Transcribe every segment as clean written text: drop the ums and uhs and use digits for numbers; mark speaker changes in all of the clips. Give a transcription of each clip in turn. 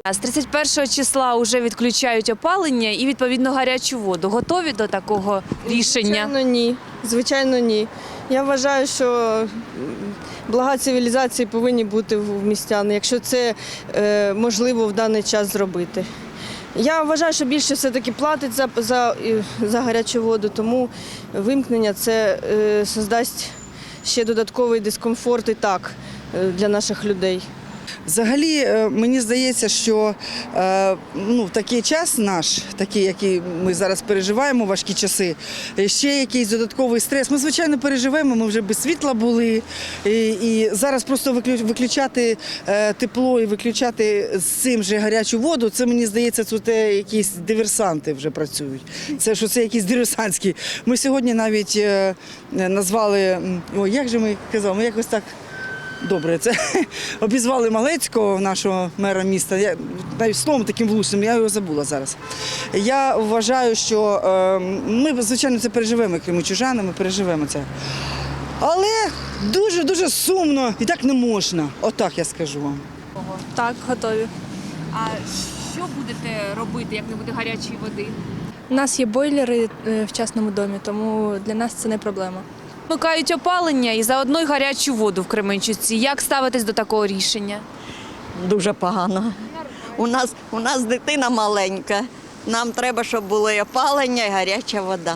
Speaker 1: З 31 числа вже відключають опалення і, відповідно, гарячу воду. Готові до такого рішення?
Speaker 2: Звичайно, ні. Звичайно, ні. Я вважаю, що блага цивілізації повинні бути в містян, якщо це можливо в даний час зробити. Я вважаю, що більше все-таки платить за гарячу воду, тому вимкнення це создасть ще додатковий дискомфорт і так для наших людей.
Speaker 3: Взагалі, мені здається, що в такий час наш, такий, який ми зараз переживаємо, важкі часи, ще якийсь додатковий стрес. Ми, звичайно, переживемо, ми вже без світла були. І зараз просто виключати тепло і виключати з цим же гарячу воду, це, мені здається, це якісь диверсанти вже працюють. Це якісь диверсантські. Ми сьогодні навіть назвали, як же ми казали, ми якось так... Добре, це обізвали Малецького, нашого мера міста, я навіть словом таким влучним, я його забула зараз. Я вважаю, що ми, звичайно, це переживемо, кримчужани, ми переживемо це. Але дуже-дуже сумно і так не можна, отак я скажу вам.
Speaker 2: Так, готові.
Speaker 1: А що будете робити, як не буде гарячої води?
Speaker 2: У нас є бойлери в частному домі, тому для нас це не проблема.
Speaker 1: Вмикають опалення і заодно й гарячу воду в Кременчуці. Як ставитесь до такого рішення?
Speaker 4: Дуже погано. У нас дитина маленька. Нам треба, щоб було і опалення, і гаряча вода.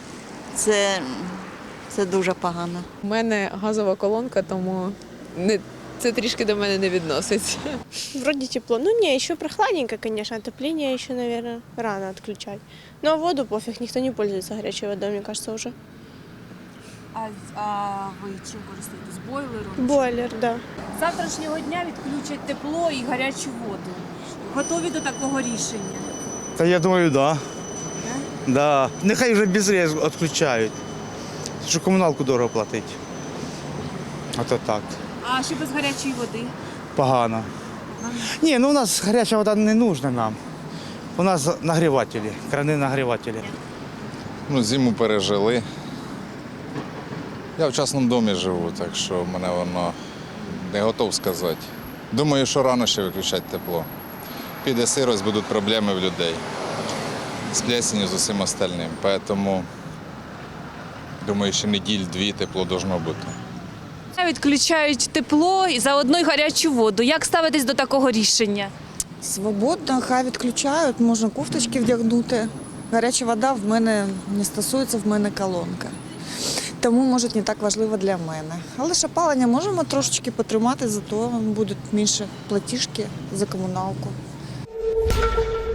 Speaker 4: Це дуже погано.
Speaker 5: У мене газова колонка, тому це трішки до мене не відноситься.
Speaker 6: Вроде тепло. Ну не, еще прохладненько, конечно. Отопление еще, наверное, рано отключать. Ну а воду пофиг, никто не пользуется горячей водой, мне кажется, уже.
Speaker 1: А ви чим користуєтесь? Бойлером?
Speaker 6: Бойлер, да.
Speaker 1: З завтрашнього дня відключать тепло і гарячу воду. Готові до такого рішення?
Speaker 7: Та я думаю, так. Да. Нехай вже без рез відключають. Що комуналку дорого платить. А то так.
Speaker 1: А що без гарячої води?
Speaker 7: Погано. Ні, у нас гаряча вода не нужна нам. У нас нагрівателі, крани нагрівателі.
Speaker 8: Зиму пережили. Я в частному домі живу, так що мене воно не готов сказати. Думаю, що рано ще виключати тепло. Піде сирость, будуть проблеми в людей з плесенью, з усім остальним. Тому, думаю, ще неділь-дві тепло должно бути.
Speaker 1: Відключають тепло і заодно й гарячу воду. Як ставитесь до такого рішення?
Speaker 9: Свободно, хай відключають, можна кофточки вдягнути. Гаряча вода в мене не стосується, в мене колонка. Тому, може, не так важливо для мене. Але ж опалення можемо трошечки потримати, зато будуть менше платіжки за комуналку.